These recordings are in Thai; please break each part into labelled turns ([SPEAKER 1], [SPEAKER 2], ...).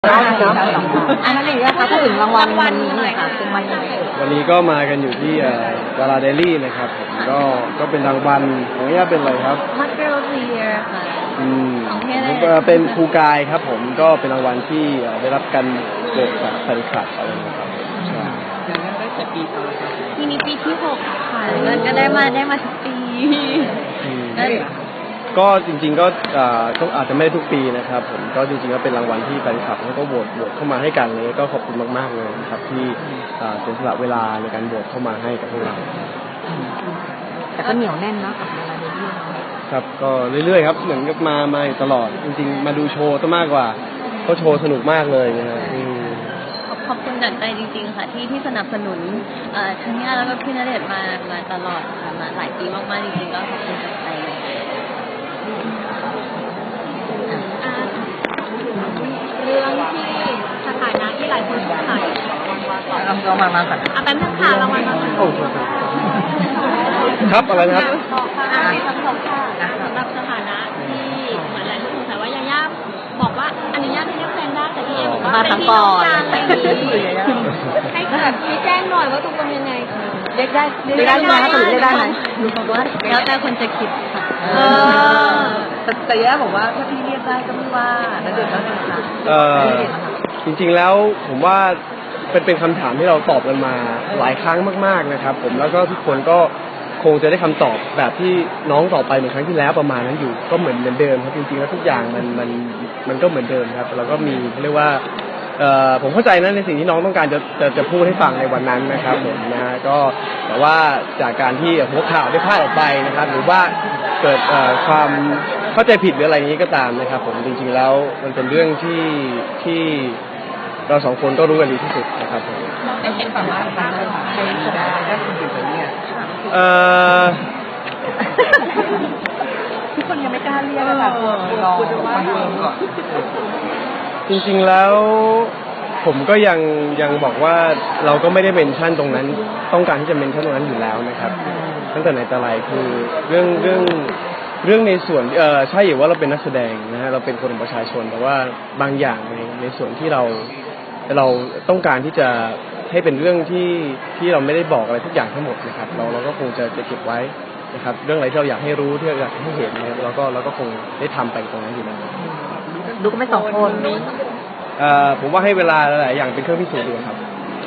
[SPEAKER 1] ได้ครับอันนั้นเองนะคะพูดถึงรางวัลวันนี้หน่อยค่ะเป็นวันยังไง
[SPEAKER 2] วันนี้ก็มากันอยู่ที่ดาราเดลี่นะครับผมก็เป็นรางวัลของย่าเป็นอะไรครับ
[SPEAKER 1] Mother of the Year ค่ะ
[SPEAKER 2] เป็นครูกายครับผมก็เป็นรางวัลที่ได้รับการโหวตจากแฟนคลับอะไรนะครับใช่
[SPEAKER 1] ได้แต่ปีต่อทีนี้ปีที่6ค่ะก็ได้มาทุกปี
[SPEAKER 2] ก็จริงๆก็อาจจะไม่ได้ทุกปีนะครับผมก็จริงๆก็เป็นรางวัลที่แฟนคลับเขาก็โหวตเข้ามาให้กันเลยก็ขอบคุณมากๆเลยนะครับที่เสียสละเวลาในการโหวตเข้ามาให้กับพวกเรา
[SPEAKER 1] แต่ก็เหนียวแน่นนะกับเวลาเรื่อย
[SPEAKER 2] ๆครับก็เรื่อยๆครับเหมือนกับมาตลอดจริงๆมาดูโชว์ซะมากกว่าเขาโชว์สนุกมากเลยนะฮะ
[SPEAKER 1] ขอบคุณจากใจจริงๆค่ะที่สนับสนุนทั้งย่าแล้วก็พี่ณเดชน์มาตลอดค่ะมาหลายปีมากๆจริงๆก็ขอบคุณจากใจเลยเรื่องที่สถานะที่หลายคนสงสัย
[SPEAKER 2] เรามาค่ะ
[SPEAKER 1] แป๊บนึงค่ะเรามา
[SPEAKER 2] โอ้ครับอะไรนะครับ
[SPEAKER 1] สำหรับสถานะที่เหมือนหลายคนสงสัยว่ายาย่าบอกว่าอนุญาตให้เรียกแฟนได้แต่พี่เอบอกว่าเป็นพี่น้องกันอะไรอย่างนี้ให้แบบชี้แจงหน่อยว่าตกลงยังไงเรียกได้ไหมคะหรือเรียกได้ไหมแล้วแต่คนจะคิดค่ะ
[SPEAKER 3] แต่ย่าบอกว่าถ้าพี่เรียกได้ก็ไม่ว่าแล้วเด็กก็เป็นค่ะ
[SPEAKER 2] จริงๆแล้วผมว่าเป็นคำถามที่เราตอบกันมาหลายครั้งมากๆนะครับผมแล้วก็ทุกคนก็คงจะได้คำตอบแบบที่น้องตอบไปเหมือนครั้งที่แล้วประมาณนั้นอยู่ก็เหมือนเดิมครับจริงๆแล้วทุกอย่างมันก็เหมือนเดิมครับแล้วก็มีเรียกว่าผมเข้าใจนะในสิ่งที่น้องต้องการจะพูดให้ฟังในวันนั้นนะครับผมนะก็แต่ว่าจากการที่หัวข่าวได้พลาดออกไปนะครับหรือว่าเกิดความเข้าใจผิดหรืออะไรนี้ก็ตามนะครับผมจริงๆแล้วมันเป็นเรื่องที่เราสองคนก็รู้กันดีที่สุดนะครับผม
[SPEAKER 3] ไอ้เห็นสามารถทำได้จริงๆเนี่ยทุกคนยังไม่กล้าเรียกค่ะรอมาเพิ่มก่อน
[SPEAKER 2] จริงๆแล้วผมก็ยังบอกว่าเราก็ไม่ได้เมนชั่นตรงนั้นต้องการที่จะเมนชั่นตรงนั้นอยู่แล้วนะครับตั้งแต่ไหนแต่ไรคือเรื่องในส่วนใช่อยู่ว่าเราเป็นนักแสดงนะฮะเราเป็นคนของประชาชนแต่ว่าบางอย่างในส่วนที่เราต้องการที่จะให้เป็นเรื่องที่เราไม่ได้บอกอะไรทุกอย่างทั้งหมดนะครับเราก็คงจะเก็บไว้นะครับเรื่องอะไรที่เราอยากให้รู้ที่เราอยากให้เห็นนะครับเราก็คงได้ทำไปตรงนั้นอยู่แล้ว
[SPEAKER 1] ดูก็ไม่สองคน
[SPEAKER 2] ผมว่าให้เวลาหลายอย่างเป็นเครื่องพิสูจน์ดูครับ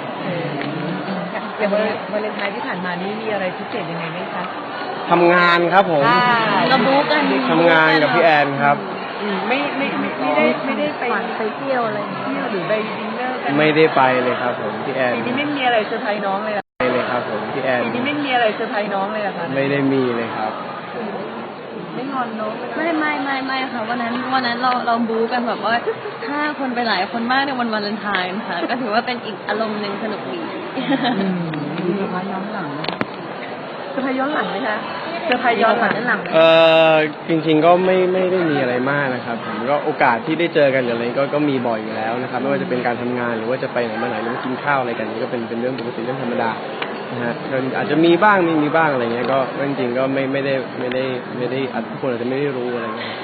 [SPEAKER 3] อย่างวาเลนไทน์ที่ผ่านมานี่มีอะไรพิเศษยังไงไหมคะ
[SPEAKER 2] ทำงานครับผม
[SPEAKER 1] เราบู๊กัน
[SPEAKER 2] ทำงานกับพี่แอนครับ
[SPEAKER 3] ไม่ได้ไปเที่ยวอะไรหรือไปดินเนอร์กัน
[SPEAKER 2] ไม่ได้ไปเลยครับผมพี่แอน
[SPEAKER 3] ปีนี้ไม่มีอะไรเซอร์ไพรส์น้องเลย
[SPEAKER 2] เลยครับผมพี่แอน
[SPEAKER 3] ปีนี้ไม่มีอะไรเซอร์ไพรส์น้องเลยอะค่ะ
[SPEAKER 2] ไม่ได้มีเลยครับ
[SPEAKER 3] ไม่งอนน้อง
[SPEAKER 1] ไม่ค่ะวันนั้นเราบู๊กันแบบว่าถ้าคนไปหลายคนมากในวันวาเลนไทน์ค่ะก็ถือว่าเป็นอีกอารมณ์นึงสนุกดี
[SPEAKER 3] มีเซอร์ไพรส์ย้อนหลังไหมเซอร์ไพรส์ย้อนหลังไหมคะเซอร์ไพรส์ย้อนหลัง
[SPEAKER 2] จริงๆก็ไม่ได้มีอะไรมากนะครับผมก็โอกาสที่ได้เจอกันหรืออะไรก็มีบ่อยอยู่แล้วนะครับไม่ว่าจะเป็นการทำงานหรือว่าจะไปไหนมาไหนหรือกินข้าวอะไรกันนี่ก็เป็นเรื่องปกติเรื่องธรรมดานะฮะอาจจะมีบ้างไม่มีบ้างอะไรเงี้ยก็จริงๆก็ไม่ได้ทุกคนอาจจะไม่ได้รู้อะไรเงี้ย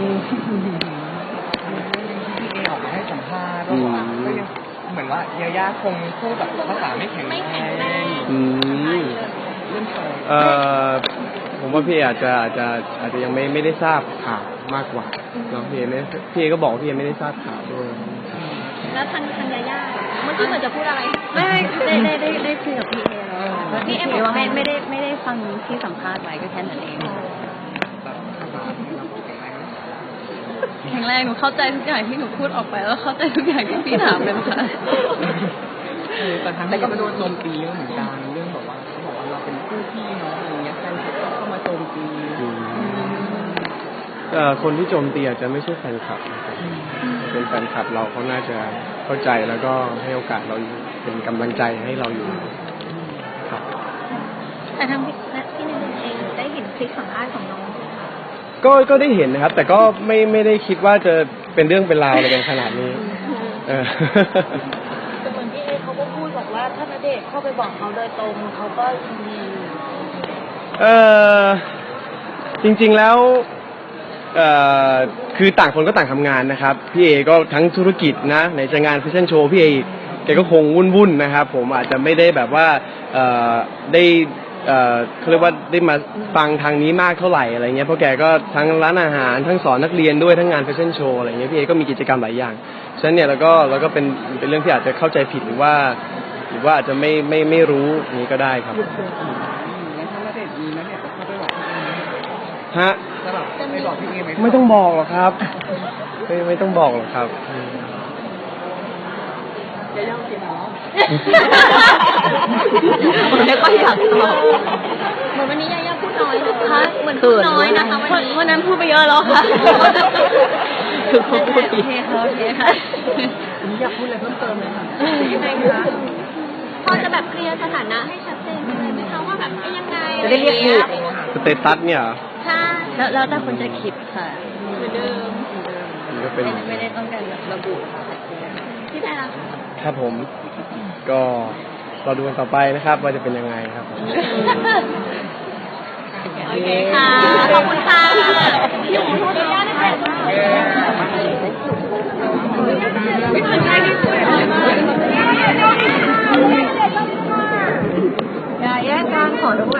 [SPEAKER 3] พี่เอออกมาให้สัมภาษณ์ก็ยังเหมือนว่ายาย่าคงพูดแบบภาษาไม่แข็งแรง
[SPEAKER 2] ผมว่าพี่อาจจะยังไม่ได้ทราบข่าวมากกว่าเนาะพี่เอก็บอกพี่เอไม่ได้ทราบข่าวด้วย
[SPEAKER 1] แล้วทางยาย่าเมื่อกี้เหมือนจะพูดอะไรไม่ได้คุยกับพี่เอแล้วพี่เอบอกว่าไม่ได้ฟังที่สัมภาษณ์ไว้ก็แค่นั้นเองแข็งแรงหนูเข้าใจทุกอย่างที่หนูพูดออกไปแล้วเข้าใจทุกอย่างที่พี่ถามเลยค่ะ
[SPEAKER 3] แต่ทางนี้ก็โดนโจมตีเยอะเหมือนกันเรื่องแบบว่าเขาบอกว่าเราเป็นคู่พี่น้องอะไรเงี้ยแฟนคลับก็เข้ามาโจมตี
[SPEAKER 2] คนที่โจมตีอาจจะไม่ใช่แฟนคลับนะครับเป็นแฟนคลับเราเขาน่าจะเข้าใจแล้วก็ให้โอกาสเราอยู่เป็นกำลังใจให้เราอยู่ครับ
[SPEAKER 1] แต่ทางพี่ณเดชน์เองได้เห็นคลิปสัมภาษณ์ของน้อง
[SPEAKER 2] ก็ได้เห็นนะครับแต่ก็ไม่ได้คิดว่าจะเป็นเรื่องเป็นราวอะไรกันขนาดนี้
[SPEAKER 1] แต่เหมือนพี่เอเขาก็พูดบอกว่าถ้าณเดชน์เข้าไปบอกเขาโดยตรงเขาก็ยินดี
[SPEAKER 2] จริงๆแล้วคือต่างคนก็ต่างทำงานนะครับพี่เอก็ทั้งธุรกิจนะในจะงานแฟชั่นโชว์พี่เอแกก็คงวุ่นๆนะครับผมอาจจะไม่ได้แบบว่าได้เขาเรียกว่าได้มาฟังทางนี้มากเท่าไหร่อะไรเงี้ยเพราะแกก็ทั้งร้านอาหารทั้งสอนนักเรียนด้วยทั้งงานแฟชั่นโชว์อะไรเงี้ยพี่เอก็มีกิจกรรมหลายอย่างฉะนั้นเนี่ยเราก็เป็นเรื่องที่อาจจะเข้าใจผิดหรือว่าอาจจะไม่รู้นี้ก็ได้ครับ
[SPEAKER 3] แล้วถ้าณเดชน์มีณเดชน์จะเข้าไปบอกพี่เอไหม
[SPEAKER 2] ฮะ
[SPEAKER 3] จะแบบไปบอกพี่เอไหม
[SPEAKER 2] ไม่ต้องบอกหรอกครับไม่ต้องบอกหรอกครับ
[SPEAKER 3] จะย่อมกินเนาะ
[SPEAKER 1] ไม่ค่อยอยากตอบเหมือนวันนี้ยายาพูดน้อยนะคะเหมือนพูดน้อยนะคะวันนั้นพูดไปเยอะแล้วค่ะคือพูดโอเคค่ะ
[SPEAKER 3] อยากพูดอะไรเพิ่มเติมไหมคะยังไงคะ
[SPEAKER 1] พอจะแบบเคลียร์สถานะให้ชัดเจนเลยไหมคะว่าแบบยังไง
[SPEAKER 4] จะได้เรียกถูก
[SPEAKER 2] สเตตัสเนี่ยเหรอ
[SPEAKER 1] ใช่
[SPEAKER 4] แล้วแต่คนจะคิดค่ะ
[SPEAKER 1] เหมือนเดิม
[SPEAKER 2] มันก็เป็น
[SPEAKER 4] ไม่ได้ต้องการระบุค่ะ
[SPEAKER 1] พี่แพรล่ะ
[SPEAKER 2] ครับผมก็รอดูกันต่อไปนะครับ ว่าจะเป็นยังไงครับผม
[SPEAKER 1] โอเคค่ะขอบคุณค่ะพี่หมูขออนุญาตนะคะอย่าแยกกันขอด้วย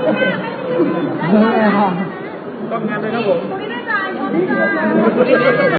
[SPEAKER 3] ต้องงานเลยครับผม